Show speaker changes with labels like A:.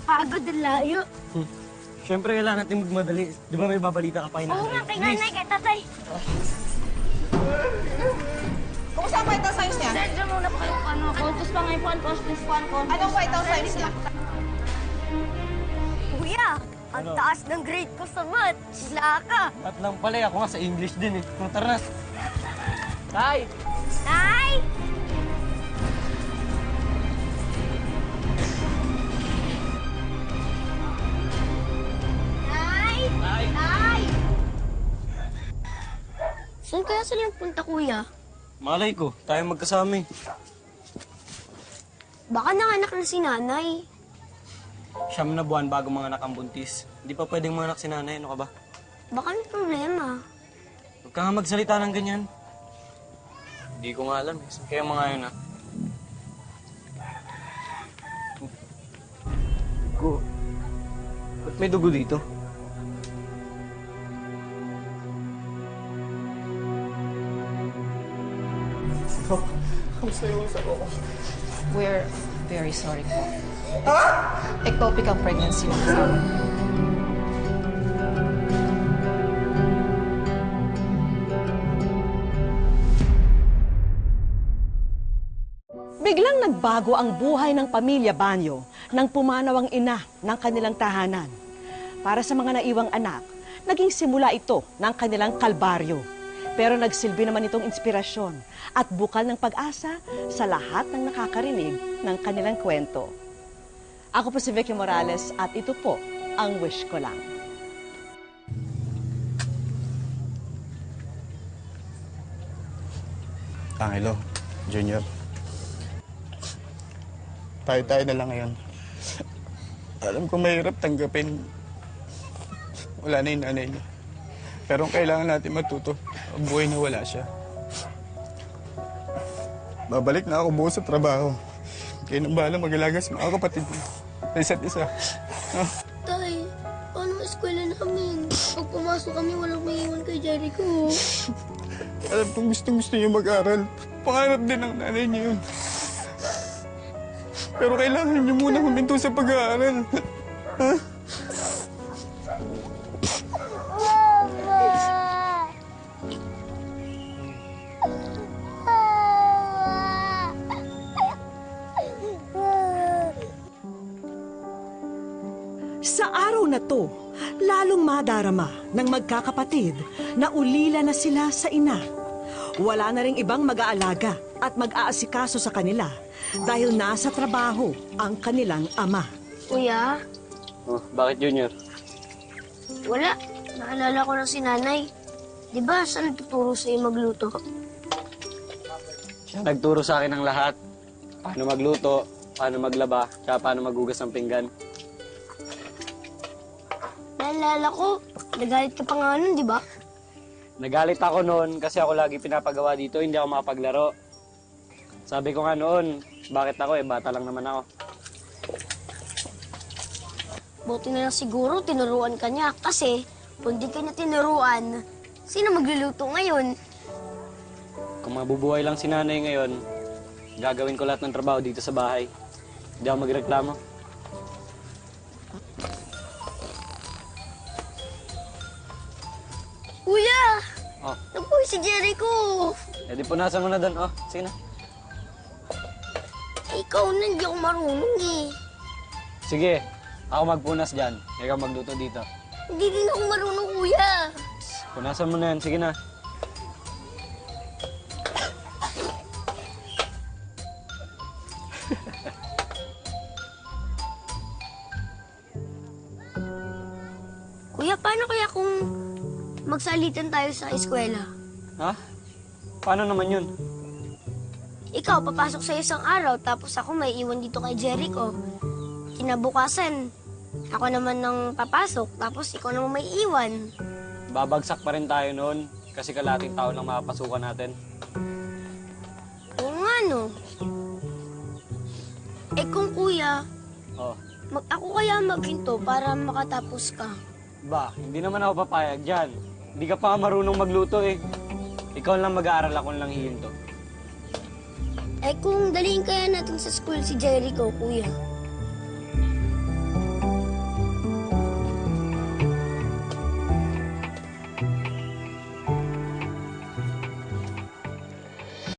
A: Nakakapagod ang layo.
B: Siyempre, kailangan natin magmadali. Di ba may babalita ka pa yun?
A: Oo nga, kay nanay, kay tatay.
C: Kumusta ang vital signs niya?
A: Sir, dyan muna po kayo ano. Contus pa ngayon po, contus po, contus.
C: Anong vital signs niya?
A: Kuya, ang taas ng grade ko sa math. Sila ka.
B: At lang pala, ako nga sa English din eh. Tara na. Tay!
A: Nay! Nay!
B: Tay!
A: Nay! Saan kaya sila nagpunta, kuya?
B: Malay ko, tayo magkasama eh.
A: Baka nanganak na si nanay.
B: 9 na buwan bago mga anak ang buntis. Hindi pa pwedeng mga anak si nanay, ano ka ba?
A: Baka may problema.
B: Huwag ka nga magsalita ng ganyan. Hindi ko nga alam eh. Kaya mga yun ah. Dugo. Ba't may dugo dito? Kamusta yung sa ko?
C: We're very sorry po. Ectopic ang pregnancy ng asawa.
D: Biglang nagbago ang buhay ng pamilya Banyo nang pumanaw ang ina ng kanilang tahanan. Para sa mga naiwang anak, naging simula ito ng kanilang kalbaryo. Pero nagsilbi naman itong inspirasyon at bukal ng pag-asa sa lahat ng nakakarinig ng kanilang kwento. Ako po si Vicky Morales at ito po ang Wish Ko Lang.
E: Angelo, Junior. Tayo-tayo na lang ngayon. Alam ko mahirap tanggapin. Wala na yung nanay niya. Pero kailangan natin matuto. Ang buhay na wala siya. Babalik na ako buo sa trabaho. Kaya nang bahala mag-alaga sa mga kapatid mo. Sa isa't isa.
A: Tay, paano ang eskwela namin? Pag pumasok kami, walang may iwan kay Jericho.
E: Alam kong gusto niya mag-aral. Pangarap din ng nanay niya yun. Pero kailangan niyo muna huminto sa pag-aaral. Ha?
D: Sa araw na to, lalong madarama ng magkakapatid na ulila na sila sa ina. Wala na ring ibang mag-aalaga at mag-aasikaso sa kanila dahil nasa trabaho ang kanilang ama.
A: Kuya,
B: Oh, bakit Junior?
A: wala. Naalala ko na si nanay. Di ba siya nagtuturo sa'yo magluto?
B: Siya nagturo sa akin ng lahat. Paano magluto, paano maglaba, tsaka paano maghugas ng pinggan.
A: Naalala ko, nagalit ka pa nga nun, di ba?
B: Nagalit ako noon kasi ako lagi pinapagawa dito, hindi ako makapaglaro. Sabi ko nga noon, bakit ako bata lang naman ako.
A: Buti na lang siguro tinuruan ka niya kasi kung di ka niya tinuruan, sino magluluto ngayon?
B: Kung mabubuhay lang si nanay ngayon, gagawin ko lahat ng trabaho dito sa bahay. Hindi ako magreklamo.
A: Kuya!
B: Oh,
A: Nabuhay si Jericho!
B: edi punasan mo na doon. Oh, sige na.
A: Ikaw na, hindi ako marunong eh.
B: Sige, ako magpunas dyan. Ikaw magluto dito.
A: Hindi din ako marunong, kuya.
B: Punasan mo na yan. Sige na.
A: Kuya, paano kaya kung magsalitan tayo sa eskwela?
B: Ha? Paano naman yun?
A: Ikaw, papasok sa isang araw, tapos ako may iwan dito kay Jericho. Kinabukasan, ako naman nang papasok, tapos ikaw naman may iwan.
B: Babagsak pa rin tayo noon kasi kalating tao lang makapasukan natin.
A: Oo nga, no? Eh kung kuya,
B: Oh,
A: ako kaya maghinto para makatapos ka.
B: ba, hindi naman ako papayag dyan. Hindi ka pa marunong magluto eh. Ikaw lang mag-aaral, ako lang hihinto.
A: Eh kung daliin kaya natin sa school si Jericho, kuya.